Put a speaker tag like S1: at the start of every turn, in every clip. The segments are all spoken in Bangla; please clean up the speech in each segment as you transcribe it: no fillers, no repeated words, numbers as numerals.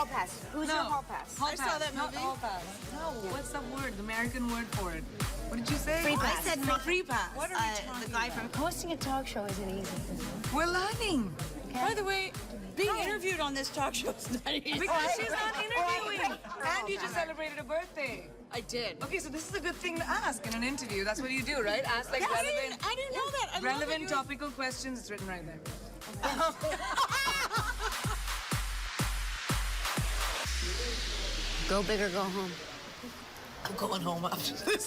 S1: pass. Who's your hall pass?
S2: Hall
S3: I
S2: pass,
S3: saw that
S2: not
S3: movie.
S2: hall pass. No, what's the word? The American word for it. What did you say?
S1: Free pass.
S3: I said free pass.
S2: What are we talking
S3: The guy
S2: about?
S3: from.
S1: Hosting a talk show isn't easy.
S2: We're learning.
S3: By the way, being interviewed on this talk show is not easy.
S2: Because she's not interviewing. And you just celebrated a birthday.
S3: I did.
S2: Okay, so this is a good thing to ask in an interview. That's what you do, right? Ask like
S3: I didn't know that. I love
S2: relevant
S3: that you-
S2: topical questions. It's written right there.
S1: Go big or go home.
S3: I'm going home after this.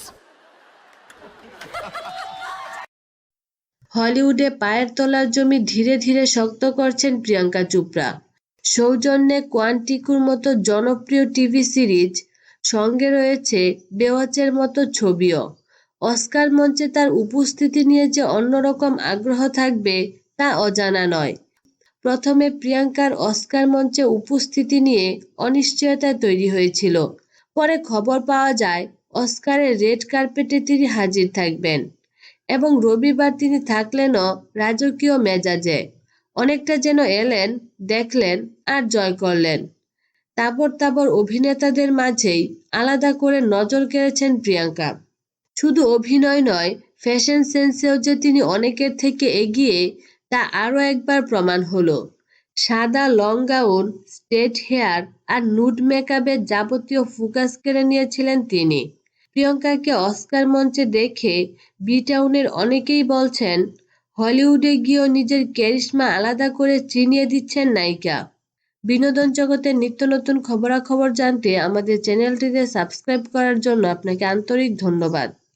S4: হলিউডে পায়ের তলার জমি ধীরে ধীরে শক্ত করছেন প্রিয়াঙ্কা চোপড়া। সৌজন্যে কোয়ান্টিকোর মতো জনপ্রিয় টিভি সিরিজ, সঙ্গে রয়েছে বেওয়াচের মতো ছবিও। অস্কার মঞ্চে তার উপস্থিতি নিয়ে যে অন্যরকম আগ্রহ থাকবে তা অজানা নয়। প্রথমে প্রিয়াঙ্কার অস্কার মঞ্চে উপস্থিতি নিয়ে অনিশ্চয়তা তৈরি হয়েছিল। পরে খবর পাওয়া যায় অস্কারের রেড কার্পেটে তিনি হাজির থাকবেন এবং রবিবার তিনি থাকলেনও রাজকীয় মেজাজে। অনেকটা যেন এলেন, দেখলেন আর জয় করলেন। তাবড় তাবড় অভিনেতাদের মাঝেই আলাদা করে নজর কেড়েছেন প্রিয়াঙ্কা। শুধু অভিনয় নয়, ফ্যাশন সেন্সেও যে তিনি অনেকের থেকে এগিয়ে তা আরও একবার প্রমাণ হলো। সাদা লং গাউন, স্ট্রেট হেয়ার আর নুড মেকআপের যাবতীয় ফোকাস কেড়ে নিয়েছিলেন তিনি। প্রিয়াঙ্কাকে অস্কার মঞ্চে দেখে বি-টাউনের অনেকেই বলছেন, হলিউডে গিয়েও নিজের ক্যারিশমা আলাদা করে চিনিয়ে দিচ্ছেন নায়িকা। বিনোদন জগতের নিত্য নতুন খবরাখবর জানতে আমাদের চ্যানেলটিতে সাবস্ক্রাইব করার জন্য আপনাকে আন্তরিক ধন্যবাদ।